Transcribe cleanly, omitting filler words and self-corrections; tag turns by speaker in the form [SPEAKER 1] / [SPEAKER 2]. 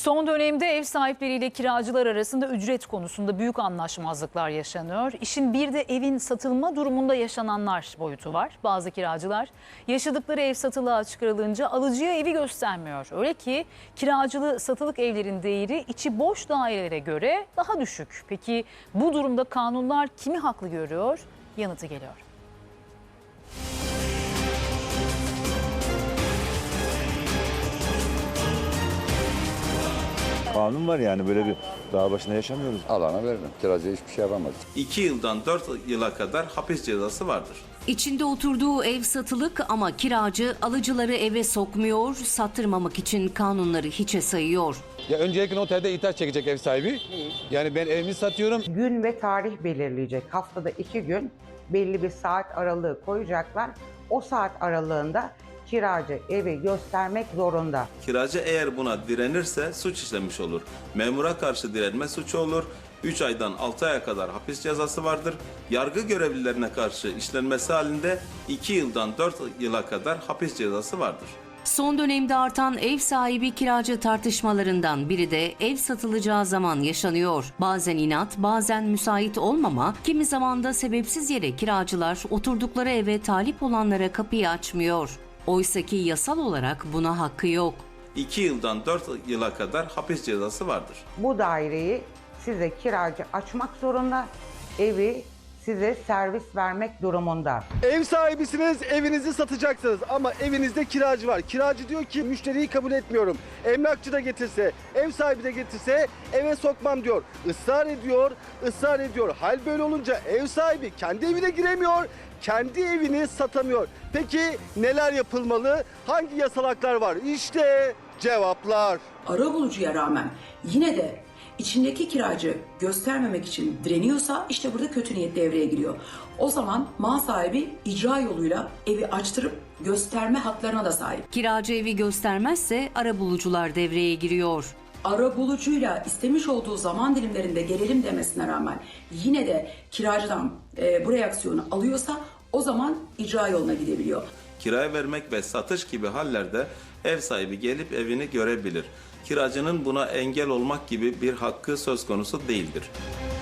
[SPEAKER 1] Son dönemde ev sahipleriyle kiracılar arasında ücret konusunda büyük anlaşmazlıklar yaşanıyor. İşin bir de evin satılma durumunda yaşananlar boyutu var. Bazı kiracılar yaşadıkları ev satılığa çıkarılınca alıcıya evi göstermiyor. Öyle ki kiracılı satılık evlerin değeri içi boş dairelere göre daha düşük. Peki bu durumda kanunlar kimi haklı görüyor? Yanıtı geliyor.
[SPEAKER 2] Kanun var yani, böyle bir dağ başında yaşamıyoruz.
[SPEAKER 3] Alana veririm. Kiracıya hiçbir şey yapamaz.
[SPEAKER 4] 2 yıldan 4 yıla kadar hapis cezası vardır.
[SPEAKER 5] İçinde oturduğu ev satılık ama kiracı alıcıları eve sokmuyor, sattırmamak için kanunları hiçe sayıyor.
[SPEAKER 6] Ya öncelikle noterde ihtar çekecek ev sahibi. Yani ben evimi satıyorum.
[SPEAKER 7] Gün ve tarih belirleyecek. Haftada 2 gün belli bir saat aralığı koyacaklar. O saat aralığında kiracı evi göstermek zorunda.
[SPEAKER 4] Kiracı eğer buna direnirse suç işlemiş olur. Memura karşı direnme suçu olur. 3 aydan 6 aya kadar hapis cezası vardır. Yargı görevlilerine karşı işlenmesi halinde 2 yıldan 4 yıla kadar hapis cezası vardır.
[SPEAKER 5] Son dönemde artan ev sahibi kiracı tartışmalarından biri de ev satılacağı zaman yaşanıyor. Bazen inat, bazen müsait olmama, kimi zaman da sebepsiz yere kiracılar oturdukları eve talip olanlara kapıyı açmıyor. Oysaki yasal olarak buna hakkı yok.
[SPEAKER 4] 2 yıldan 4 yıla kadar hapis cezası vardır.
[SPEAKER 7] Bu daireyi size kiracı açmak zorunda, evi size servis vermek durumunda.
[SPEAKER 8] Ev sahibisiniz, evinizi satacaksınız ama evinizde kiracı var. Kiracı diyor ki müşteriyi kabul etmiyorum. Emlakçı da getirse, ev sahibi de getirse eve sokmam diyor. Israr ediyor, ısrar ediyor. Hal böyle olunca ev sahibi kendi evine giremiyor, kendi evini satamıyor. Peki neler yapılmalı? Hangi yasal haklar var? İşte cevaplar.
[SPEAKER 9] Arabulucuya rağmen yine de içindeki kiracı göstermemek için direniyorsa işte burada kötü niyet devreye giriyor. O zaman mal sahibi icra yoluyla evi açtırıp gösterme haklarına da sahip.
[SPEAKER 5] Kiracı evi göstermezse arabulucular devreye giriyor.
[SPEAKER 9] Arabulucuyla istemiş olduğu zaman dilimlerinde gelelim demesine rağmen yine de kiracıdan bu reaksiyonu alıyorsa o zaman icra yoluna gidebiliyor.
[SPEAKER 4] Kiraya vermek ve satış gibi hallerde ev sahibi gelip evini görebilir. Kiracının buna engel olmak gibi bir hakkı söz konusu değildir.